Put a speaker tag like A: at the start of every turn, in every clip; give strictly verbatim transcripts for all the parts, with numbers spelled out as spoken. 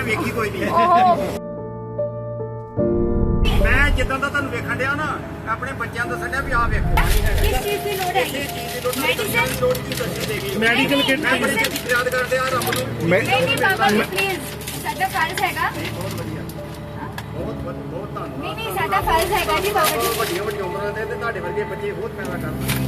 A: ਵੇਖੀ ਕੋਈ ਨਹੀਂ। ਮੈਂ ਜਿੱਦਾਂ ਦਾ ਤੁਹਾਨੂੰ ਵੇਖਣ ਡਿਆ ਨਾ ਆਪਣੇ ਬੱਚਿਆਂ ਨੂੰ ਦੱਸਣ ਡਿਆ ਵੀ ਆਹ ਵੇਖੋ
B: किस चीज की लोड है
A: ਇਹ ਚੀਜ਼ ਦੀ ਲੋੜ
B: मेडिसिन
A: ਲੋੜ ਦੀ ਦੱਸੀ ਦੇਗੀ।
C: ਮੈਡੀਕਲ ਕਿੱਟ
A: ਮੈਂ ਬੜੀ ਛੇਤੀ ਯਾਦ ਕਰਦੇ ਆ ਰੱਬ ਨੂੰ।
C: ਮੈਂ
B: नहीं नहीं बाबा जी प्लीज साडा फर्ज हैगा
A: ਬਹੁਤ ਵਧੀਆ ਬਹੁਤ ਬਹੁਤ ਬਹੁਤ ਧੰਨਵਾਦ।
B: नहीं नहीं साडा फर्ज हैगा जी बाबा जी
A: ਵੱਡੀਆਂ ਵੱਡੀਆਂ ਉਮਰਾਂ ਦੇ ਤੇ ਤੁਹਾਡੇ ਵਰਗੇ ਬੱਚੇ ਬਹੁਤ ਪੈਦਾ ਕਰਦੇ।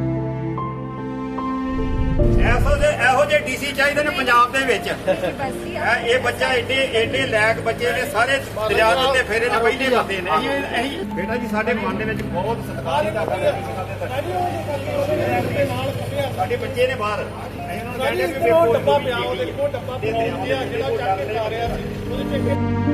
A: ਐਸੋ ਦੇ ਇਹੋ ਜਿਹੇ ਡੀਸੀ ਚਾਹੀਦੇ ਨੇ ਪੰਜਾਬ ਦੇ ਵਿੱਚ।
B: बस जी
A: ਇਹ ਇਹ ਬੱਚਾ ਏਡੇ ਏਡੇ ਲਾਇਕ ਬੱਚੇ ਨੇ ਸਾਰੇ ਦਰਿਆ ਦੇ ਉੱਤੇ ਫੇਰੇ ਨੇ ਪਹਿਲੇ ਬੰਦੇ ਨੇ। ਬੇਟਾ ਜੀ ਸਾਡੇ ਮਨ ਦੇ ਵਿੱਚ ਬਹੁਤ ਸਤਿਕਾਰ ਹੈ ਤੁਹਾਡਾ। ਸਾਡੇ ਬੱਚੇ ਨੇ ਬਾਹਰ ਅਸੀਂ ਉਹਨਾਂ ਨੂੰ ਕਹਿੰਦੇ ਵੀ ਵੇਖੋ ਡੱਬਾ ਪਿਆ ਉਹ ਦੇਖੋ ਡੱਬਾ ਪਿਆ ਜਿਹੜਾ ਚੱਕ ਕੇ ਖਾ ਰਿਹਾ ਸੀ ਉਹਦੇ ਚ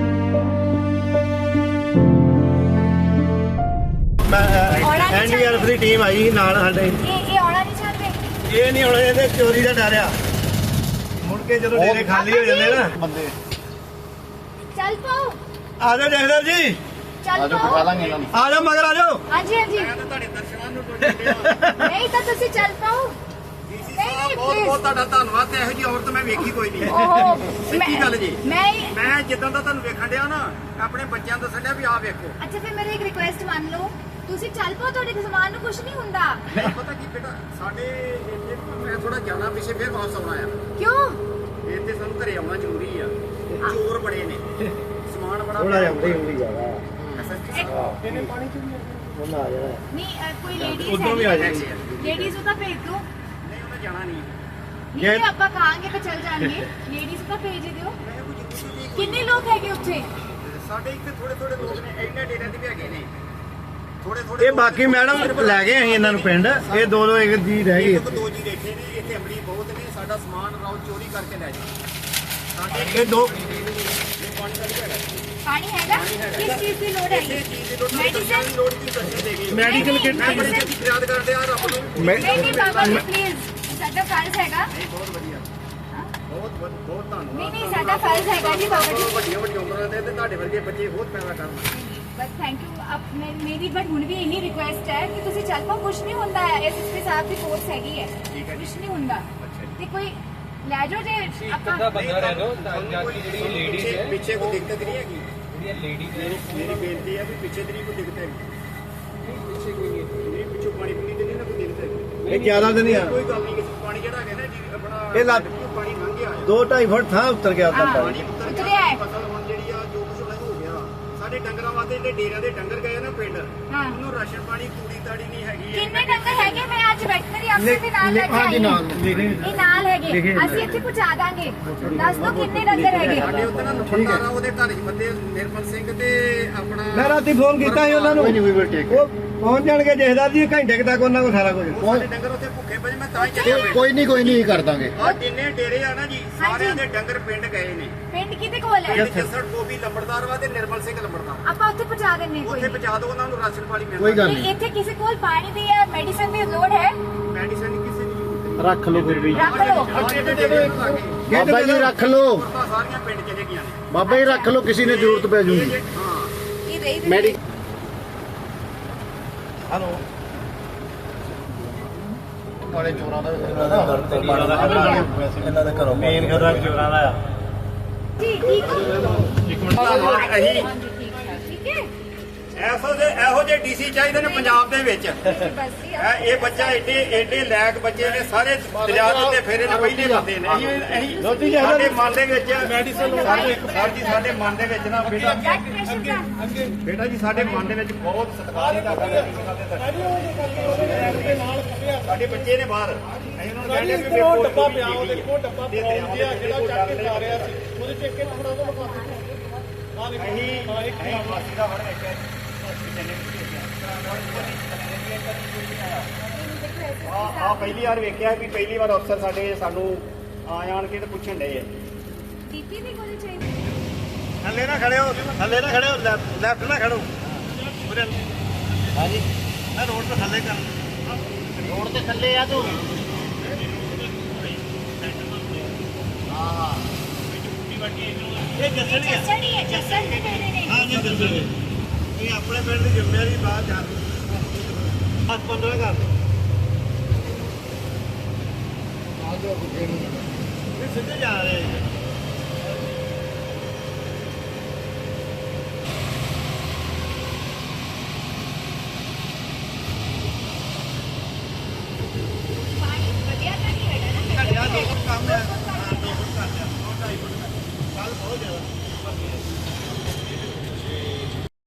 C: ਐਨਡੀਆਰਐਫ ਦੀ ਟੀਮ ਆਈ ਸੀ ਨਾਲ ਸਾਡੇ।
B: ये ये औड़ा नहीं चाहते
C: ਇਹ ਨਹੀਂ ਹੁਣ ਇਹਦੇ ਚੋਰੀ ਦਾ ਡਰ ਆ। ਮੁੜ ਕੇ ਜਦੋਂ ਡੇਰੇ ਖਾਲੀ ਹੋ ਜਾਂਦੇ ਨਾ ਬੰਦੇ।
B: चल पाओ
C: ਆ ਜਾਓ ਜਹਦਰ ਜੀ,
B: चल पाओ
C: ਆ ਜਾਓ ਮਗਰ ਆ ਜਾਓ।
B: हाँ जी हाँ जी
A: ਤੁਹਾਡੇ ਦਰਸ਼ਨਾਂ ਨੂੰ ਟੁੱਟ ਗਿਆ।
B: नहीं तो तुसी चल पाओ
A: ਡੀਸੀ ਸਾਹਿਬ ਬਹੁਤ ਬਹੁਤ ਤੁਹਾਡਾ ਧੰਨਵਾਦ। ਇਹੋ ਜਿਹੀ ਔਰਤ ਮੈਂ ਵੇਖੀ ਕੋਈ ਨਹੀਂ।
B: ओहो
A: ਸੱਚੀ ਗੱਲ ਜੀ।
B: मैं
A: ਮੈਂ ਜਿੱਦਾਂ ਦਾ ਤੁਹਾਨੂੰ ਵੇਖਣ ਡਿਆ ਨਾ ਆਪਣੇ ਬੱਚਿਆਂ ਨੂੰ ਦੱਸਣ ਡਿਆ ਵੀ ਆਹ ਵੇਖੋ।
B: अच्छा फिर मेरी एक रिक्वेस्ट मान लो तुसी चल पाओ ਤੁਹਾਡੇ ਸਮਾਨ ਨੂੰ ਕੁਝ ਨਹੀਂ ਹੁੰਦਾ
A: ਪਤਾ ਕੀ ਬੇਟਾ ਸਾਡੇ ਇੱਥੇ ਮੈਂ ਥੋੜਾ ਜਾਣਾ ਪਿੱਛੇ ਫਿਰ ਵਾਪਸ ਆਉਣਾ ਆ।
B: ਕਿਉਂ
A: ਇੱਥੇ ਸਾਨੂੰ ਘਰੇ ਆਉਣਾ ਜ਼ਰੂਰੀ ਆ। ਚੋਰ ਬੜੇ ਨੇ ਸਮਾਨ ਬੜਾ
C: ਥੋੜਾ ਜਿਹਾ ਹੁੰਦੀ ਹੁੰਦੀ ਜਾਵਾ
A: ਇਹਨੇ ਪਾਣੀ ਚ
C: ਉਹਨਾਂ ਆ ਜਾਣਾ।
B: ਨਹੀਂ ਅ, ਕੋਈ ਲੇਡੀਜ਼
C: ਉੱਧਰੋਂ ਵੀ ਆ ਜਾਣੀ।
B: ਲੇਡੀਜ਼ ਨੂੰ ਤਾਂ ਭੇਜ ਦਿਓ
A: ਨਹੀਂ ਉਹਨੇ ਜਾਣਾ ਨਹੀਂ।
B: ਜੇ ਆਪਾਂ ਕਹਾਂਗੇ ਤਾਂ ਚੱਲ ਜਾਣਗੇ ਲੇਡੀਜ਼ ਤਾਂ ਭੇਜ ਹੀ ਦਿਓ
A: ਮੈਂ ਕੋਈ ਜ਼ਰੂਰੀ ਨਹੀਂ।
B: ਕਿੰਨੇ ਲੋਕ ਹੈਗੇ ਉੱਥੇ
A: ਸਾਡੇ ਇੱਥੇ ਥੋੜੇ ਥੋੜੇ ਲੋਕ ਨੇ ਇੰਨੇ ਡੇਰਿਆਂ ਦੇ ਵੀ ਹੈਗੇ ਨੇ ਥੋੜੇ ਥੋੜੇ।
C: ਇਹ ਬਾਕੀ ਮੈਡਮ ਲੈ ਗਏ ਅਸੀਂ ਇਹਨਾਂ ਨੂੰ ਪਿੰਡ। ਇਹ ਦੋ ਦੋ ਇੱਕ ਜੀ ਰਹਿ ਗਈ
A: ਇੱਕ ਦੋ ਜੀ ਬੈਠੇ ਨੇ ਇੱਥੇ ਅਮਲੀ ਬਹੁਤ ਨੇ। ਸਾਡਾ ਸਮਾਨ ਰਾਉ ਚੋਰੀ ਕਰਕੇ ਲੈ ਜਾਂਦੇ ਸਾਡੇ
C: ਇਹ ਦੋ
A: ਪਾਣੀ ਦਾ ਵੀ ਹੈਗਾ।
B: ਪਾਣੀ ਹੈਗਾ ਕਿਸ ਚੀਜ਼ ਦੀ ਲੋੜ
A: ਇਹ
B: ਹੈਗੀ
A: ਚੀਜ਼ ਦੀ ਲੋੜ
B: ਮੈਡੀਸਿਨ
A: ਲੋੜ ਦੀ ਦੱਸੀ ਦੇਗੀ।
C: ਮੈਡੀਕਲ ਕਿੱਟ
A: ਮੈਂ ਬੜੀ ਛੇਤੀ ਯਾਦ ਕਰਦੇ ਆ ਰੱਬ ਨੂੰ।
C: ਮੈਂ
B: ਨਹੀਂ ਨਹੀਂ ਬਾਬਾ ਜੀ ਪਲੀਜ਼ ਸਾਡਾ ਫਰਜ਼ ਹੈਗਾ
A: ਨਹੀਂ ਬਹੁਤ ਵਧੀਆ ਬਹੁਤ ਬਹੁਤ ਬਹੁਤ ਧੰਨਵਾਦ।
B: ਨਹੀਂ ਨਹੀਂ ਸਾਡਾ ਫਰਜ਼ ਹੈਗਾ ਜੀ ਬਾਬਾ ਜੀ
A: ਵੱਡੀਆਂ ਵੱਡੀਆਂ ਉਮਰਾਂ ਦੇ ਤੇ ਤੁਹਾਡੇ ਵਰਗੇ ਬੱਚੇ ਬਹੁਤ ਪੈਦਾ ਕਰਦੇ।
B: बस थैंक यू अब मैं मेरी बट हुन भी इन्नी रिक्वेस्ट है कि तुसी चल पाओ कुछ नहीं होंदा है एसएसपी साहब की फोर्स हैगी है कुछ नहीं होंदा ते कोई ले जाओ जे ਆਪਾਂ
D: ਬੰਦਾ ਰਹਿ ਲੋ ਤਾਂ ਜਾਤੀ ਜਿਹੜੀ ਲੇਡੀਜ਼ ਹੈ
A: ਪਿੱਛੇ ਕੋਈ ਦਿੱਕਤ ਨਹੀਂ ਹੈਗੀ।
D: ਜਿਹੜੀਆਂ ਲੇਡੀਜ਼
A: ਮੇਰੀ ਮੇਰੀ ਬੇਨਤੀ ਹੈ ਵੀ ਪਿੱਛੇ ਤੇਰੀ ਕੋਈ ਦਿੱਕਤ ਹੈ ਪਿੱਛੇ ਕੋਈ ਨਹੀਂ ਨਹੀਂ ਪਿੱਛੋਂ ਪਾਣੀ ਪੂਣੀ ਤੇ ਨਹੀਂ ਨਾ ਕੋਈ ਦਿੱਕਤ ਹੈ।
C: ਇਹ ਜ਼ਿਆਦਾ ਤਾਂ ਨਹੀਂ ਆ।
A: ਕੋਈ ਗੱਲ ਨਹੀਂ ਕਿਸੇ ਪਾਣੀ ਜਿਹੜਾ ਹੈਗਾ ਨਾ ਜੀ ਆਪਣਾ
C: ਇਹ ਲੱਗ-
A: ਪਾਣੀ ਲੰਘ ਗਿਆ ਆ।
C: ਦੋ ਢਾਈ ਫੁੱਟ ਥਾਂ ਉੱਤਰ ਗਿਆ ਤਾਂ
B: ਹਾਂ।
C: ਪਾਣੀ।
A: ਪਾਣੀ ਉੱਤਰ
B: ਉਤਰਿਆ
A: ਗਿਆ
B: ਹੈ।
A: ਫਸਲ ਹੁਣ ਜਿਹੜੀ ਆ ਜੋ ਕੁਛ ਹੋਣਾ ਹੋ ਗਿਆ। ਸਾਡੇ ਡੰਗਰਾਂ ਵਾਸਤੇ ਜਿਹੜੇ ਡੇਰਿਆਂ ਦੇ ਡੰਗਰ ਗਏ ਨਾ ਪਿੰਡ
B: ਹਾਂ
A: ਉਹਨੂੰ ਰਾਸ਼ਨ ਪਾਣੀ ਤੂੜੀ ਤਾੜੀ ਨਹੀਂ ਹੈਗੀ।
B: ਕਿੰਨੇ ਡੰਗਰ ਹੈਗੇ ਮੈਂ ਅੱਜ ਵੈਟਰਨਰੀ ਅਫਸਰ ਦੇ ਨਾਲ ਲੈ ਕੇ
C: ਹਾਂਜੀ
B: ਆਈ
C: ਨਾਲ
B: ਹਾਂ
C: ਲਿਖੇ
B: ਇਹ ਨਾਲ ਹੈਗੇ ਅਸੀਂ ਇੱਥੇ ਪਹੁੰਚਾ ਦਾਂਗੇ ਦੱਸ ਦਿਓ ਕਿੰਨੇ ਡੰਗਰ ਹੈਗੇ
A: ਸਾਡੇ ਉੱਤੇ ਨਾ ਨੰਬਰਦਾਰ ਆ ਉਹਦੇ ਘਰ ਹੀ ਬੰਦੇ ਨਿਰਮਲ ਸਿੰਘ ਤੇ ਆਪਣਾ
C: ਮੈਂ ਰਾਤੀ ਫੋਨ ਕੀਤਾ ਸੀ ਉਹਨਾਂ ਨੂੰ। ਉਹ ਪਹੁੰਚ ਜਾਣਗੇ ਜਹਦਰ ਜੀ ਘੰਟੇ ਕੁ ਤੱਕ ਉਹਨਾਂ ਕੋਲ ਸਾਰਾ ਕੁਝ।
A: ਸਾਡੇ ਡੰਗਰ ਉੱਥੇ ਭੁੱਖੇ ਪਏ ਮੈਂ ਤਾਂ ਹੀ ਚੱਲਿਆ ਪਿੰਡ।
C: ਕੋਈ ਨਹੀਂ ਕੋਈ ਨਹੀਂ ਕਰ ਦਾਂਗੇ।
A: ਆ ਜਿੰਨੇ ਡੇਰੇ ਆ ਨਾ ਜੀ ਸਾਰਿਆਂ ਦੇ ਡੰਗਰ ਪਿੰਡ ਗਏ ਨੇ।
B: ਪਿੰਡ ਕਿਤੇ ਕੋਲ ਹੈ
A: ਪਿੰਡ ਜੱਸੜ ਗੋਬੀ ਲੰਬੜਦਾਰ ਵਾ ਤੇ ਨਿਰਮਲ ਸਿੰਘ ਲੰਬੜਦਾਰ।
B: ਆਪਾਂ ਉੱਥੇ ਪਹੁੰਚਾ ਦਿੰਨੇ ਕੋਈ
A: ਉੱਥੇ ਪਹੁੰਚਾ ਦਿਓ ਉਹਨਾਂ ਨੂੰ ਰਾਸ਼ਨ ਪਾਣੀ ਮਿਲਦਾ।
C: ਕੋਈ ਗੱਲ
B: ਨਹੀਂ ਇੱਥੇ ਕਿਸੇ ਕੋਲ ਪਾਣੀ ਦੀ ਜਾਂ ਮੈਡੀਸਨ ਦੀ ਲੋੜ ਹੈ
A: ਮੈਡੀਸਨ ਕਿਸੇ ਦੀ ਜ਼ਰੂਰਤ
C: ਰੱਖ ਲਓ ਫਿਰ ਵੀ।
B: ਰੱਖ ਲਓ
A: ਨਹੀਂ। ਸਾਡੇ ਡੇਰੇ ਨੂੰ ਲਾ ਕੇ
C: ਬਾਬਾ ਜੀ ਰੱਖ ਲਓ।
A: ਔਰਤਾਂ ਸਾਰੀਆਂ ਪਿੰਡ ਚਲੇ ਗਈਆਂ ਨੇ।
C: ਬਾਬਾ ਜੀ ਰੱਖ ਲਓ ਕਿਸੇ ਨੇ ਜ਼ਰੂਰਤ ਪੈ ਜੂਗੀ।
A: ਹਾਂ
B: ਇਹ ਰਹੀ
C: ਮੈਡੀ ਹਲੋ ਵਾਲੇ ਚੋਰਾਂ ਦਾ ਇਹਨਾਂ ਦਾ ਘਰੋਂ ਮੇਨ ਘਰਾਂ ਚੋਰਾਂ ਦਾ ਆ।
B: ਜੀ ਠੀਕ ਹੋ
A: ਇੱਕ ਮਿੰਟ ਧੰਨਵਾਦ। ਅਸੀਂ
B: ਹਾਂਜੀ ਠੀਕ ਹੈ ਠੀਕ ਹੈ
A: ਐਸੋ ਦੇ ਇਹੋ ਜਿਹੇ ਡੀਸੀ ਚਾਹੀਦੇ ਨੇ ਪੰਜਾਬ ਦੇ ਵਿੱਚ।
B: ਬਸ ਜੀ
A: ਇਹ ਇਹ ਬੱਚਾ ਏਡੇ ਏਡੇ ਲਾਇਕ ਬੱਚੇ ਨੇ ਸਾਰੇ ਦਰਿਆ ਦੇ ਉੱਤੇ ਫੇਰੇ ਨੇ ਪਹਿਲੇ ਬੰਦੇ ਨੇ। ਅਸੀਂ ਸਾਡੇ ਮਨ ਦੇ ਵਿੱਚ ਮੈਡੀਸਨ ਸਾਡੇ ਸਰ ਜੀ ਸਾਡੇ ਮਨ ਦੇ ਵਿੱਚ ਨਾ ਬੇਟਾ
B: ਬਲੱਡ ਪ੍ਰੈਸ਼ਰ ਦਾ
A: ਬੇਟਾ ਜੀ ਸਾਡੇ ਮਨ ਦੇ ਵਿੱਚ ਬਹੁਤ ਸਤਿਕਾਰ ਹੈ ਤੁਹਾਡਾ। ਸਾਡੇ ਬੱਚੇ ਨੇ ਬਾਹਰ ਅਸੀਂ ਉਹਨਾਂ ਨੂੰ ਕਹਿੰਦੇ ਵੀ ਵੇਖੋ ਡੱਬਾ ਪਿਆ ਉਹ ਦੇਖੋ ਡੱਬਾ ਪਿਆ ਜਿਹੜਾ ਚੱਕ ਕੇ ਖਾ ਰਿਹਾ ਸੀ ਉਹਦੇ ਚ ਇੱਕ ਥੋੜਾ ਜਿਹਾ ਲਗਾ ਦਿੱਤਾ। ਅਸੀਂ ਅਸੀਂ ਫਾਸੀ ਦਾ ਵੜ ਵੇਖਿਆ ਜੀ। ਆ ਆ ਪਹਿਲੀ ਵਾਰ ਵੇਖਿਆ ਵੀ ਪਹਿਲੀ ਵਾਰ ਅਫਸਰ ਸਾਡੇ ਸਾਨੂੰ ਆ ਜਾਣ ਕੇ ਤੇ ਪੁੱਛਣ ਡਏ ਆ।
B: ਬੀਪੀ ਦੀ ਗੋਲੀ ਚਾਹੀਦੀ
C: ਥੱਲੇ ਨਾ ਖੜੇ ਹੋ, ਥੱਲੇ ਨਾ ਖੜੇ ਹੋ, ਲੈਫਟ ਨਾ ਖੜੋ। ਹਾਂਜੀ ਮੈਂ ਰੋਡ ਤੇ ਥੱਲੇ ਕਰ ਰੋਡ ਤੇ ਥੱਲੇ ਆ ਤੂੰ। ਹਾਂ ਇਹ ਜੱਸੜੀ ਆ।
B: ਜੱਸੜੀ ਹੈ ਜੱਸੜ ਦੇ ਡੇਰੇ ਨੇ
C: ਹਾਂ ਜੀ ਜੱਸੜੀ ਇਹ ਆਪਣੇ ਪਿੰਡ ਦੀ ਜ਼ਿੰਮੇਵਾਰੀ ਬਾਅਦ ਜਾ ਅੱਜ ਪੰਦਰਾਂ ਕਰ ਇਹ ਸਿੱਧੇ ਜਾ ਰਹੇ ਜ਼ਿਆਦਾ